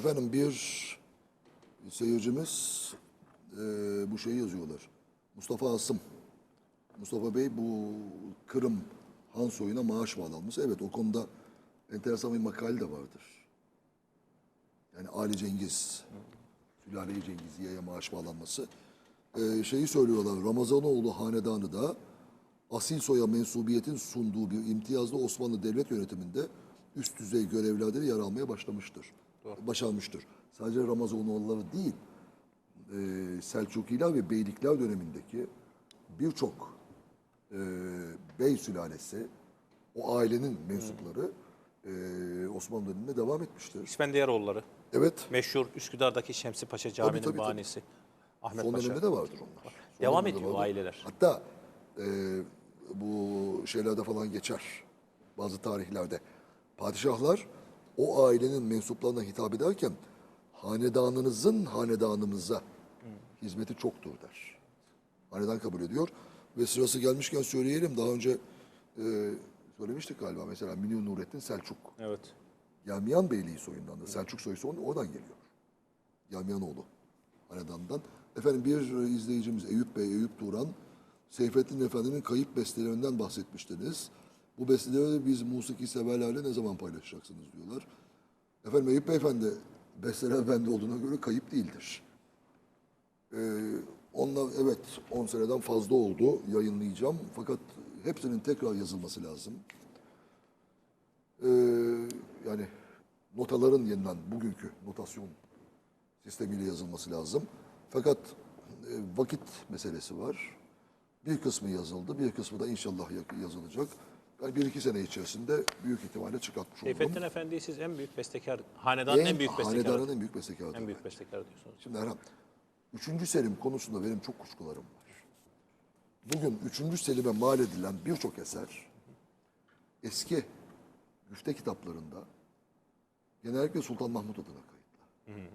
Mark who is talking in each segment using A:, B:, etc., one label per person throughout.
A: Efendim bir seyircimiz bu şeyi yazıyorlar. Mustafa Asım. Mustafa Bey bu Kırım Han soyuna maaş bağlanması. Evet, o konuda enteresan bir makale de vardır. Yani Ali Cengiz, Sülale-i Cengiziye'ye maaş bağlanması. Şeyi söylüyorlar, Ramazanoğlu hanedanı da asil soya mensubiyetin sunduğu bir imtiyazlı Osmanlı devlet yönetiminde üst düzey görevlerde yer almaya başlamıştır. Başarmıştır. Sadece Ramazanoğulları değil, Selçukiler ve Beylikler dönemindeki birçok bey sülalesi, o ailenin mensupları Osmanlı döneminde devam etmiştir.
B: İspendiyaroğulları.
A: Evet.
B: Meşhur Üsküdar'daki Şemsi Paşa Camii'nin
A: Tabii.
B: banisi. Ahmet
A: Son
B: Paşa.
A: dönemde de vardır onlar.
B: Devam
A: Dönemde de
B: ediyor
A: vardır.
B: aileler.
A: Hatta bu şeylerde falan geçer. Bazı tarihlerde. Padişahlar o ailenin mensuplarına hitap ederken hanedanınızın hanedanımıza hizmeti çoktur der. Hanedan kabul ediyor. Ve sırası gelmişken söyleyelim. Daha önce söylemiştik galiba. Mesela Münir Nurettin Selçuk.
B: Evet.
A: Yamiyan Beyliği soyundan da. Selçuk soyu oradan geliyor. Yamiyanoğlu hanedandan. Efendim bir izleyicimiz Eyüp Bey, Eyüp Turan, Seyfettin Efendi'nin kayıp bestelerinden bahsetmiştiniz. Bu besteleri biz musiki severlerle ne zaman paylaşacaksınız diyorlar. Efendim Eyüp Beyefendi, besteler bende olduğuna göre kayıp değildir. Onlar evet 10 seneden fazla oldu, yayınlayacağım. Fakat hepsinin tekrar yazılması lazım. Yani notaların yeniden bugünkü notasyon sistemiyle yazılması lazım. Fakat vakit meselesi var. Bir kısmı yazıldı, bir kısmı da inşallah yazılacak. Yani 1-2 sene içerisinde büyük ihtimalle çıkartmış olurum.
B: Seyfettin Efendi'yi siz en büyük bestekar, hanedanın en büyük bestekarı.
A: Hanedanın en büyük bestekarıdır.
B: En büyük bestekar diyorsunuz.
A: Şimdi Erhan, 3. Selim konusunda benim çok kuşkularım var. Bugün 3. Selim'e mal edilen birçok eser eski güfte kitaplarında genellikle Sultan Mahmut adına kayıtlı.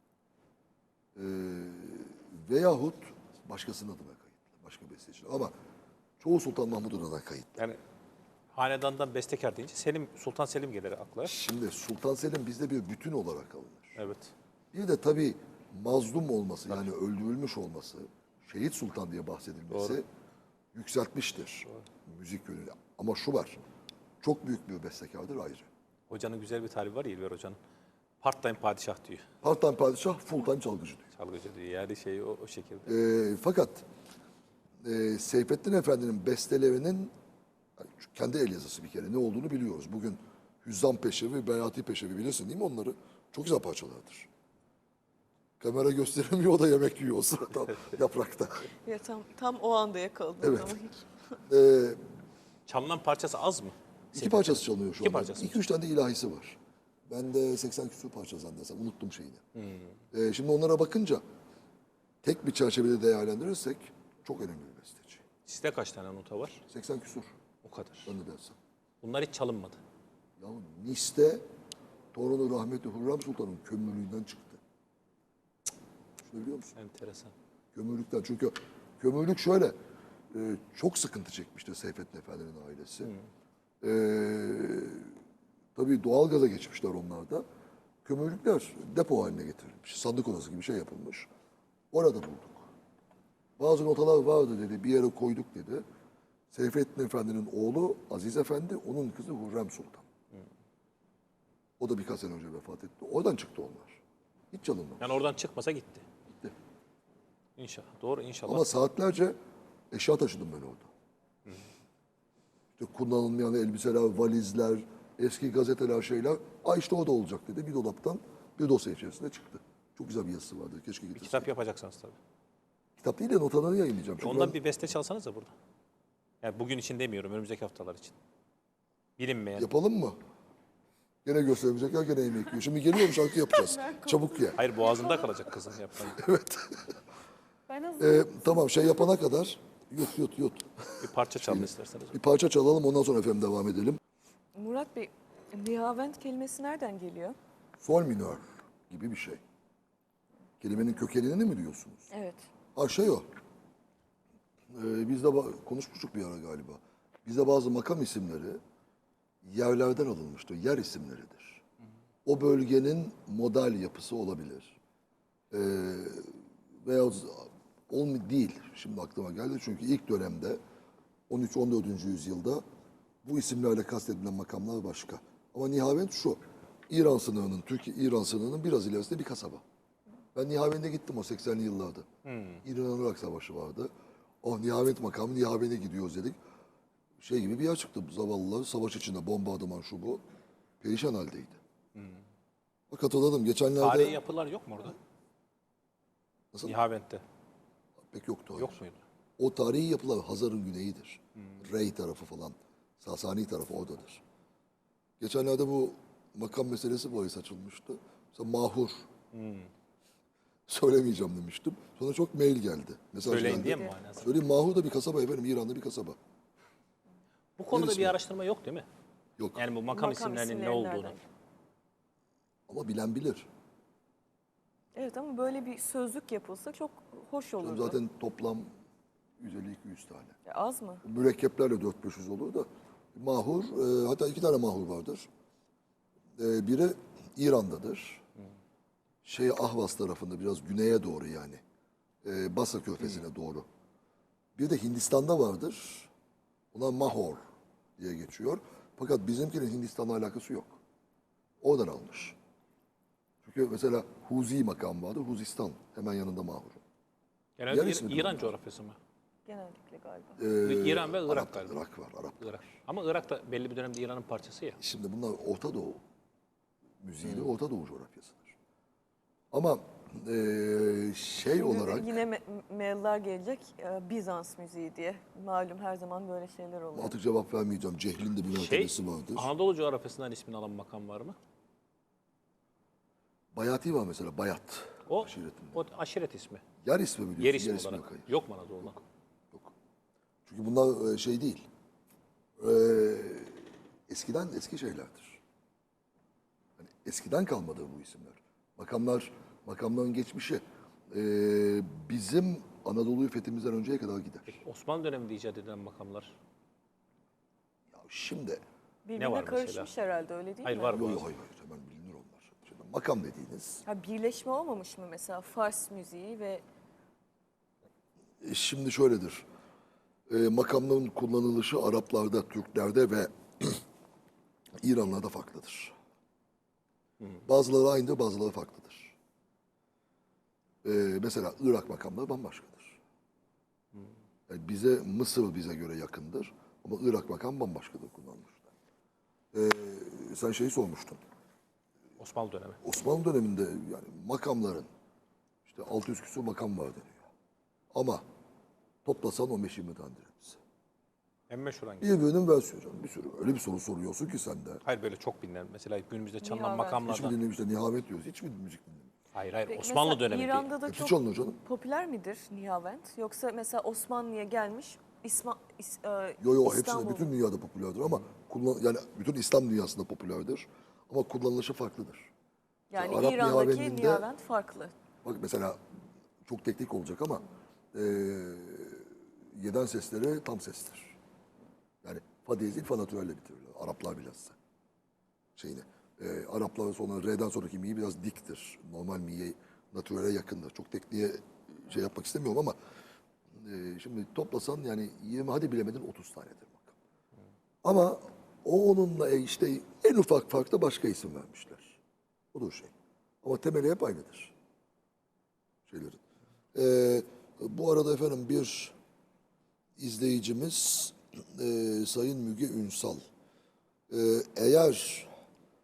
A: Veyahut başkasının adına kayıtlı. Başka besteci. Ama çoğu Sultan Mahmut adına kayıtlı.
B: Yani hanedandan bestekar deyince Sultan Selim gelir akla.
A: Şimdi Sultan Selim bizde bir bütün olarak alınır.
B: Evet.
A: Bir de tabii mazlum olması yani öldürülmüş olması, şehit sultan diye bahsedilmesi yükseltmiştir müzik yönüyle. Ama şu var, çok büyük bir bestekardır ayrı.
B: Hocanın güzel bir tarifi var ya İlber Hoca'nın. Part-time padişah diyor.
A: Part-time padişah, full-time çalgıcı diyor.
B: Çalgıcı diyor. Yani o şekilde.
A: Fakat Seyfettin Efendi'nin bestelerinin kendi el yazısı bir kere ne olduğunu biliyoruz. Bugün Hüzzam Peşevi, Beyati Peşevi bilirsin değil mi onları? Çok güzel parçalardır. Kamera gösteremiyor, o da yemek yiyor o sırada yaprakta.
C: Ya tam o anda yakaladım.
A: Evet.
C: Ama hiç.
B: Çalınan parçası az mı?
A: 2 parçası çalınıyor şu
B: İki
A: anda.
B: parçası.
A: 2-3 tane de ilahisi var. Bende 80 küsur parça zannedersem. Unuttum şeyini. Şimdi onlara bakınca tek bir çerçevede değerlendirirsek çok önemli bir besteci.
B: Sizde kaç tane nota var?
A: 80 küsur.
B: O kadar.
A: Zannedersem.
B: Bunlar hiç çalınmadı.
A: Ya Nis'te torunu rahmetli Hürrem Sultan'ın kömürlüğünden çıktı. Şunu biliyor musun?
B: Enteresan.
A: Kömürlükten. Çünkü kömürlük şöyle çok sıkıntı çekmişti Seyfettin Efendi'nin ailesi. Tabii doğalgaza geçmişler onlar da. Kömürlükler depo haline getirilmiş. Sandık odası gibi şey yapılmış. Orada bulduk. Bazı notalar vardı dedi. Bir yere koyduk dedi. Seyfettin Efendi'nin oğlu Aziz Efendi, onun kızı Hürrem Sultan. O da birkaç sene önce vefat etti. Oradan çıktı onlar. Hiç çalınmamış.
B: Yani oradan çıkmasa gitti.
A: Gitti.
B: İnşallah. Doğru inşallah.
A: Ama saatlerce eşya taşıdım ben orada. İşte kullanılmayan elbiseler, valizler, eski gazeteler, şeyler. İşte o da olacak dedi. Bir dolaptan bir dosya içerisinde çıktı. Çok güzel bir yazısı vardı. Keşke getirseydim.
B: Kitap yapacaksınız tabii.
A: Kitap değil de notaları yayınlayacağım. Çünkü
B: Ondan bir beste çalsanız da burada. Yani bugün için demiyorum, önümüzdeki haftalar için. Bilinmeyen.
A: yapalım mı? Gene göstermeyecek ya gene yemek yiyor. Şimdi geliyorum şarkı yapacağız. Çabuk ye.
B: Hayır, boğazında kalacak kızın yapmayın.
A: Evet.
C: Ben hazır.
A: Tamam şey yapana kadar yut.
B: Bir parça çalın isterseniz.
A: Bir parça çalalım ondan sonra efendim devam edelim.
C: Murat Bey, nihavent kelimesi nereden geliyor?
A: Sol minör gibi bir şey. Kelimenin kökenini mi diyorsunuz?
C: Evet.
A: Şey o. Biz de konuşmuştuk bir ara galiba. Bizde bazı makam isimleri yerlerden alınmıştır. Yer isimleridir. o bölgenin model yapısı olabilir. Veya değil. Şimdi aklıma geldi. Çünkü ilk dönemde 13-14. yüzyılda bu isimlerle kastedilen makamlar başka. Ama Nihavend şu. İran sınırının, Türkiye-İran sınırının biraz ilerisinde bir kasaba. Ben Nihavend'e gittim o 80'li yıllarda. İran-Irak Savaşı vardı. Oh, Nihavend makamı, Nihavend'e gidiyoruz dedik. Şey gibi bir yer çıktı. Zavallılar savaş içinde bombardıman şu bu. Perişan haldeydi. Bak hatırladım. Geçenlerde...
B: Tarihi yapılar yok mu orada?
A: Nasıl?
B: Nihavend'de.
A: Pek yoktu. Hayır.
B: Yok muydu?
A: O tarihi yapılar Hazar'ın güneyidir. Rey tarafı falan. Sasani tarafı oradadır. Geçenlerde bu makam meselesi bahis açılmıştı. Mesela Mahur. Söylemeyeceğim demiştim. Sonra çok mail geldi. Mesaj
B: Söyleyin
A: geldi.
B: diye mi manası?
A: Söyleyeyim, Mahur da bir kasaba efendim. İran'da bir kasaba.
B: Bu konuda
A: Neresi
B: bir
A: var?
B: araştırma yok değil mi?
A: Yok.
B: Yani bu makam
C: Makam
B: isimlerinin ne
C: isimleri
B: olduğunu.
C: nereden?
A: Ama bilen bilir.
C: Evet ama böyle bir sözlük yapılsa çok hoş
A: Canım
C: olurdu.
A: zaten toplam 150-200 tane.
C: Ya az mı?
A: Mürekkeplerle 400-500 olur da. Mahur, hatta 2 tane mahur vardır. Biri İran'dadır. Ahvaz tarafında biraz güneye doğru yani. Basra Körfezi'ne doğru. Bir de Hindistan'da vardır. Ona Mahor diye geçiyor. Fakat bizimkinin Hindistan'la alakası yok. Oradan almış. Çünkü mesela Huzi makam vardı. Huzistan hemen yanında Mahur'un.
B: Genelde
A: Yer ismi
B: İran
A: diyorlar.
B: coğrafyası mı?
C: Genellikle galiba.
B: İran ve Irak
A: Arap,
B: galiba.
A: Irak var, Arap.
B: Irak. Ama Irak da belli bir dönemde İran'ın parçası ya.
A: Şimdi bunlar Orta Doğu müziği de Orta Doğu coğrafyasıdır. Ama şey olarak
C: Yine mailler gelecek Bizans müziği diye. Malum her zaman böyle şeyler oluyor.
A: artık cevap vermeyeceğim. Cehlin de bir mertebesi vardır.
B: Anadolu coğrafyasından ismini alan makam var mı?
A: Bayati var mesela, Bayat
B: O,
A: aşiretinde.
B: o aşiret ismi.
A: Yer ismi biliyorsun.
B: Yer ismi
A: yok,
B: olarak.
A: hayır.
B: Yok mu Anadolu'da?
A: Yok. Çünkü bunlar şey değil. Eskiden eski şeylerdir. Hani eskiden kalmadı bu isimler. Makamların geçmişi bizim Anadolu'yu fethimizden önceye kadar gider.
B: Osmanlı döneminde icat edilen makamlar.
A: Ya şimdi
C: Birbirine
B: var mesela?
C: karışmış herhalde öyle değil
B: Hayır
C: mi?
B: var
A: yok
B: mı?
A: yok hayır hemen bilinir onlar. Şimdi makam dediğiniz
C: Ha, birleşme olmamış mı mesela Fars müziği ve
A: şimdi şöyledir. Makamların kullanılışı Araplarda, Türklerde ve İranlarda farklıdır. Bazıları aynıdır, bazıları farklıdır. Mesela Irak makamları bambaşkadır. Yani Mısır bize göre yakındır ama Irak makam bambaşkadır kullanmışlar. Sen şeyi sormuştun.
B: Osmanlı dönemi.
A: Osmanlı döneminde yani makamların işte 600 küsur makam var deniyor. Ama toplasan 15-20 tanedir hepsi.
B: En meşhur hangisi?
A: Birbirinin versiyonu canım. Bir sürü. Öyle bir soru soruyorsun ki sen de.
B: Hayır böyle çok bilinen. Mesela günümüzde çalınan
C: Nihavend.
A: Hiç mi
B: makamlardan.
A: dinlemişler? Nihavet diyoruz. Hiç mi müzik dinlemiş?
B: Hayır
C: Peki
B: Osmanlı
C: mesela
B: dönemi
C: İran'da
B: değil.
C: da
A: Hepsi
C: çok
A: çalınıyor canım.
C: popüler midir Nihavend? Yoksa mesela Osmanlı'ya gelmiş
A: Yo hepsi de
C: İstanbul'da.
A: bütün dünyada popülerdir ama yani bütün İslam dünyasında popülerdir. Ama kullanılışı farklıdır.
C: Yani
A: Arap
C: İran'daki
A: Nihavend'inde-
C: Nihavend farklı.
A: Bak mesela çok teknik olacak ama yeden sesleri tam sestir. Yani fa diyez değil fa natürelle bitirirler. Araplar bilhassa. Araplar sonra R'den sonraki mi'yi biraz diktir. Normal mi'ye natürele yakındır. Çok tekniğe şey yapmak istemiyorum ama şimdi toplasan yani 20 hadi bilemedin 30 tanedir makam. Ama onunla işte en ufak farkta başka isim vermişler. Odur şey. Ama temeli hep aynıdır. Şeylerin. Bu arada efendim bir izleyicimiz Sayın Müge Ünsal. Eğer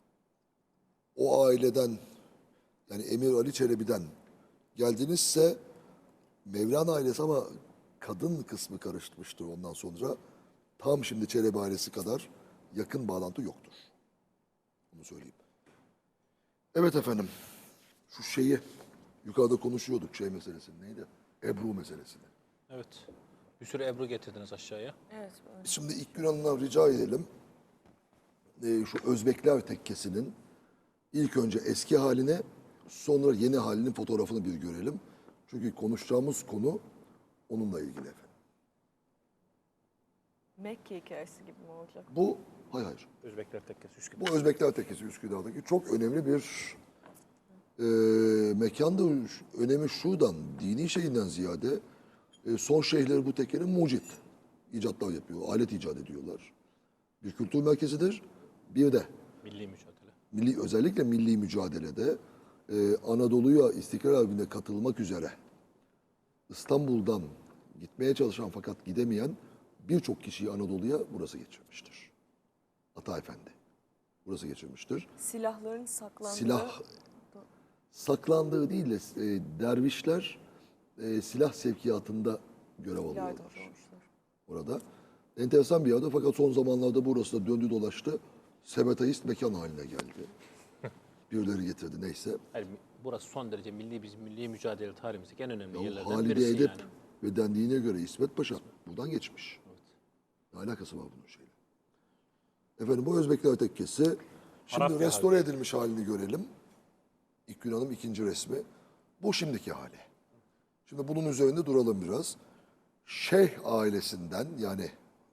A: o aileden yani Emir Ali Çelebi'den geldinizse Mevlana ailesi ama kadın kısmı karışmıştır ondan sonra. Tam şimdi Çelebi ailesi kadar yakın bağlantı yoktur. Bunu söyleyeyim. Evet efendim. Şu şeyi yukarıda konuşuyorduk şey meselesini. Neydi? Ebru meselesini.
B: Evet. Bir sürü Ebru getirdiniz aşağıya.
C: Evet. Böyle.
A: Şimdi ilk Yunanlılar rica edelim. Şu Özbekler tekkesinin ilk önce eski halini sonra yeni halinin fotoğrafını bir görelim. Çünkü konuşacağımız konu onunla ilgili efendim.
C: Mekke hikayesi gibi mi olacak?
A: Bu Hayır hayır.
B: Özbekler Tekkesi Üsküdar.
A: Bu Özbekler Tekkesi Üsküdar'daki çok önemli bir mekanda. Önemi şuradan, dini şeyinden ziyade son şeyhleri bu tekkenin mucit icatlar yapıyor, alet icat ediyorlar. Bir kültür merkezidir. Bir de
B: Milli mücadele.
A: özellikle milli mücadelede Anadolu'ya İstiklal Harbi'ne katılmak üzere İstanbul'dan gitmeye çalışan fakat gidemeyen birçok kişiyi Anadolu'ya burası geçirmiştir. Ata Efendi burası geçirmiştir.
C: Silahların saklandığı...
A: Silah saklandığı değil de dervişler silah sevkiyatında görev alıyorlar
C: yardımcı olmuşlar.
A: orada. Enteresan bir yerde fakat son zamanlarda burası da döndü dolaştı. Sebetaist mekan haline geldi. Birileri getirdi neyse.
B: Yani burası son derece bizim milli mücadele tarihimizdeki en önemli
A: Ya
B: yerlerden
A: Halide
B: birisi
A: Edip
B: yani.
A: ve dendiğine göre İsmet Paşa buradan geçmiş. Ne alakası var bunun şeyle? Efendim bu Özbekler Tekkesi. Şimdi
B: Arap
A: restore edilmiş halini görelim. İlk Yunan'ın ikinci resmi. Bu şimdiki hali. Şimdi bunun üzerinde duralım biraz. Şeyh ailesinden yani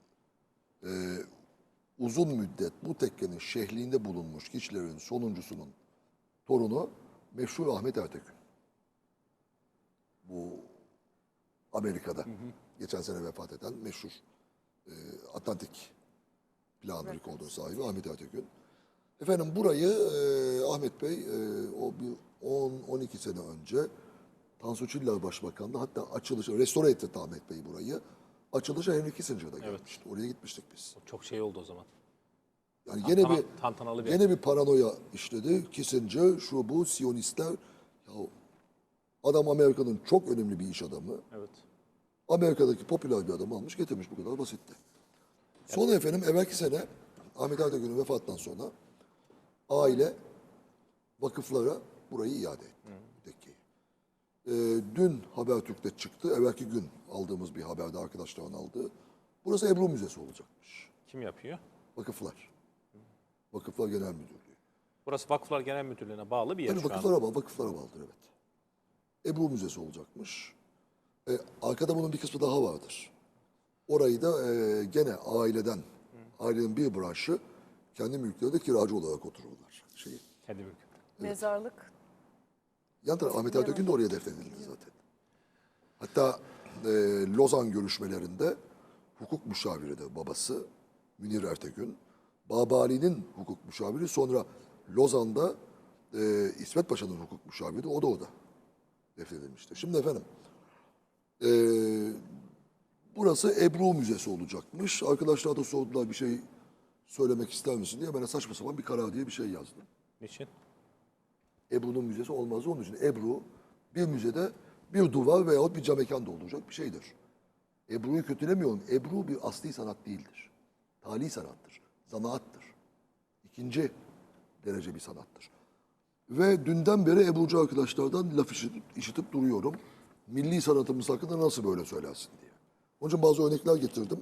A: uzun müddet bu tekkenin şehliğinde bulunmuş kişilerin sonuncusunun torunu meşhur Ahmet Ertekin. Bu Amerika'da geçen sene vefat eden meşhur Atlantik Planı rekordu sahibi Ahmet Ertekin. Efendim burayı Ahmet Bey o bir 10-12 sene önce Tansu Çiller Başbakan'da hatta açılışı restore etti Ahmet Bey burayı. Açılışa Henry Kissinger'da gelmişti. Oraya gitmiştik biz.
B: Çok şey oldu o zaman.
A: Yani gene
B: Tantanalı bir
A: bir paranoya işledi. Kissinger, şu bu Siyonistler. Ya adam Amerika'nın çok önemli bir iş adamı.
B: Evet.
A: Amerika'daki popüler bir adamı almış getirmiş bu kadar basitti. Sonra efendim evvelki sene Ahmet Ertekin'in vefatından sonra aile vakıflara burayı iade etti. Tekkeyi. Dün Habertürk'te çıktı. Evvelki gün aldığımız bir haberde arkadaşların aldığı. Burası Ebru Müzesi olacakmış.
B: Kim yapıyor?
A: Vakıflar. Vakıflar Genel Müdürlüğü.
B: Burası Vakıflar Genel Müdürlüğü'ne bağlı bir yer
A: Tabii
B: şu an.
A: vakıflara bağlıdır evet. Ebru Müzesi olacakmış. Arkada bunun bir kısmı daha vardır. Orayı da gene ailenin bir branşı kendi mülklerinde kiracı olarak otururlar.
B: Kendi mülkü.
C: Mezarlık
A: Yan taraf Ahmet Ertekin de oraya defnedildi zaten. Hatta Lozan görüşmelerinde hukuk müşaviri de babası Münir Ertekin. Babali'nin hukuk müşaviri sonra Lozan'da İsmet Paşa'nın hukuk müşaviri o da orada defnedilmiştir. Şimdi efendim burası Ebru Müzesi olacakmış. Arkadaşlar da sordular bir şey söylemek ister misin diye. Ben de saçma sapan bir karar diye bir şey yazdım.
B: Niçin?
A: Ebru'nun müzesi olmaz. Onun için Ebru bir müzede bir duvar veyahut bir cam mekanda olacak bir şeydir. Ebru'yu kötülemiyorum. Ebru bir asli sanat değildir. Tali sanattır. Zanaattır. İkinci derece bir sanattır. Ve dünden beri Ebru'cu arkadaşlardan laf işitip duruyorum. Milli sanatımız hakkında nasıl böyle söylersin diye. Onun için bazı örnekler getirdim.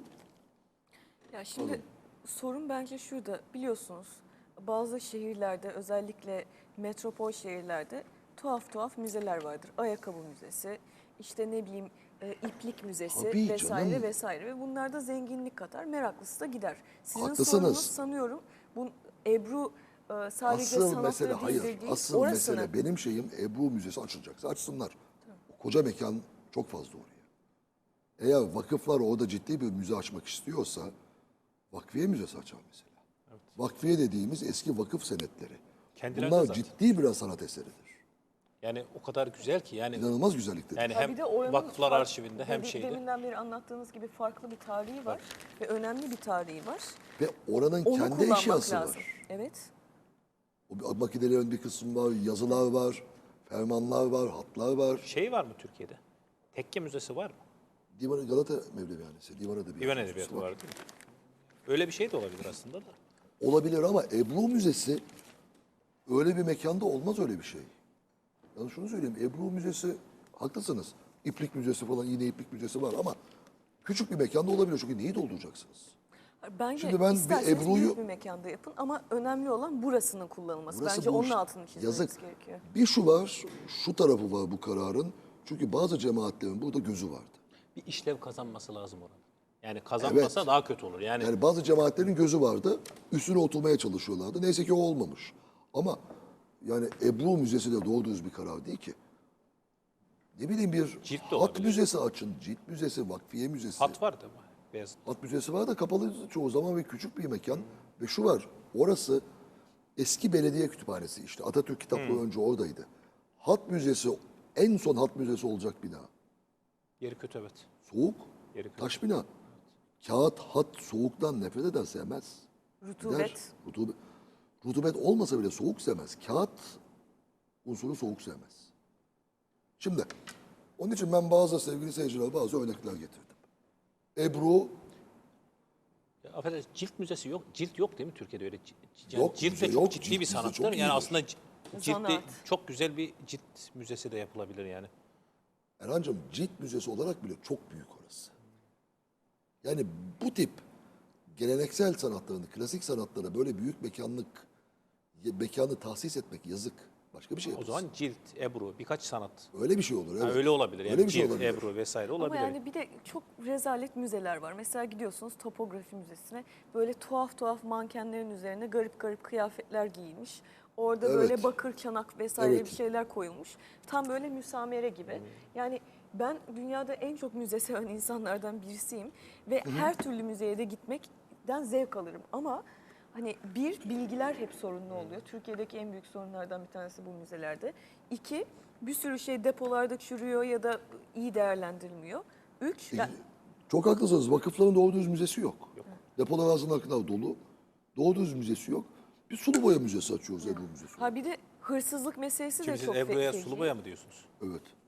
C: Ya şimdi sorun bence şurada, biliyorsunuz bazı şehirlerde, özellikle metropol şehirlerde tuhaf müzeler vardır. Ayakkabı müzesi, işte ne bileyim iplik müzesi
A: Tabii
C: vesaire
A: canım.
C: vesaire ve bunlar da zenginlik katar, meraklısı da gider. Sizin
A: Haklısınız.
C: sorununuz sanıyorum bu Ebru sadece
A: Asıl
C: sanatla
A: mesele
C: değil,
A: hayır.
C: değil,
A: Asıl
C: orasını.
A: mesele benim şeyim Ebru Müzesi açılacaksa açsınlar. O koca mekan çok fazla oraya. Eğer vakıflar orada ciddi bir müze açmak istiyorsa vakfiye müzesi açar mesela. Vakfiye dediğimiz eski vakıf senetleri.
B: Kendileri de
A: Bunlar
B: zaten.
A: ciddi birer sanat eseridir.
B: Yani o kadar güzel ki yani
A: İnanılmaz güzelliktedir.
B: yani
C: Ha,
B: hem
C: bir de oranın
B: Vakıflar
C: fark-
B: Arşivinde hem şeyde.
C: Deminden beri anlattığınız gibi farklı bir tarihi var ve önemli bir tarihi var.
A: Ve oranın
C: Onu
A: kendi
C: kullanmak
A: eşyası
C: lazım.
A: var.
C: Evet.
A: O makinelerin bir kısmı var, yazılar var, fermanlar var, hatlar var.
B: Şey var mı Türkiye'de? Tekke Müzesi var mı?
A: Divan Galata Mevlevihanesi, Divan Edebiyatı.
B: Divan Edebiyatı var değil mi? Öyle bir şey de olabilir aslında da.
A: Olabilir ama Ebru Müzesi öyle bir mekanda olmaz öyle bir şey. Yani şunu söyleyeyim, Ebru Müzesi, haklısınız. İplik Müzesi falan, yine İplik Müzesi var ama küçük bir mekanda olabilir. Çünkü neyi dolduracaksınız?
C: Bence
A: Şimdi ben bir
C: isterseniz
A: Ebru'yu-
C: büyük bir mekanda yapın ama önemli olan burasının kullanılması.
A: Burası
C: Bence
A: bu
C: onun
A: iş-
C: altını çizmemiz
A: yazık.
C: gerekiyor.
A: Bir şu var, şu tarafı var bu kararın. Çünkü bazı cemaatlerin burada gözü vardı.
B: Bir işlev kazanması lazım oranın. Yani kazanmasa
A: Evet.
B: daha kötü olur. Yani
A: Bazı cemaatlerin gözü vardı. Üstüne oturmaya çalışıyorlardı. Neyse ki o olmamış. Ama yani Ebru Müzesi de doğru düz bir karar değil ki. Ne bileyim bir
B: Cilt de
A: hat
B: olabilir.
A: müzesi açın. Cilt müzesi, vakfiye müzesi.
B: hat var değil mi? Beyazıt.
A: Hat müzesi var da kapalı çoğu zaman ve küçük bir mekan. Ve şu var, orası eski belediye kütüphanesi işte. Atatürk kitapları önce oradaydı. Hat müzesi, en son hat müzesi olacak bina.
B: Yeri kötü evet.
A: Soğuk,
B: Yeri kötü.
A: taş bina. Kağıt, hat soğuktan nefret eder, sevmez.
C: Rutubet.
A: Gider. Rutubet olmasa bile soğuk sevmez. Kağıt unsuru soğuk sevmez. Şimdi, onun için ben sevgili seyirciler bazı örnekler getirdim. Ebru
B: Ya, affedersiniz, cilt müzesi yok. Cilt yok değil mi Türkiye'de öyle?
A: Yok,
B: cilt
A: müze
B: de çok
A: yok.
B: ciddi
A: Cilt
B: bir
A: müze
B: sanattır.
A: çok
B: Yani
A: iyidir.
B: aslında ciltli
C: Zanaat.
B: çok güzel bir cilt müzesi de yapılabilir yani.
A: Erhan'cığım cilt müzesi olarak bile çok büyük orası. Yani bu tip geleneksel sanatlarını, klasik sanatlara böyle büyük mekanı tahsis etmek yazık. Başka bir şey
B: O
A: yaparsın.
B: zaman cilt, ebru, birkaç sanat.
A: Öyle bir şey olur.
B: Ha,
A: Evet.
B: öyle olabilir. Yani
A: Öyle bir şey
B: cilt,
A: olabilir.
B: ebru vesaire
C: Ama
B: olabilir.
C: yani bir de çok rezalet müzeler var. Mesela gidiyorsunuz topografi müzesine, böyle tuhaf tuhaf mankenlerin üzerine garip garip kıyafetler giyilmiş. Orada
A: Evet.
C: böyle bakır çanak vesaire
A: Evet.
C: bir şeyler koyulmuş. Tam böyle müsamere gibi. Yani ben dünyada en çok müze seven insanlardan birisiyim. Ve her türlü müzeye de gitmekten zevk alırım. Ama hani bilgiler hep sorunlu oluyor. Türkiye'deki en büyük sorunlardan bir tanesi bu müzelerde. İki, bir sürü şey depolarda çürüyor ya da iyi değerlendirilmiyor. Üç,
A: Çok haklısınız. Vakıfların doğru düz müzesi yok. Depolar ağzına kadar dolu. Doğru düz müzesi yok. Bir sulu boya müzesi açıyoruz Ebru Müzesi.
C: ha bir de hırsızlık meselesi de
B: Şimdi siz
C: çok
B: ebruya
C: feci.
B: sulu boya mı diyorsunuz?
A: Evet.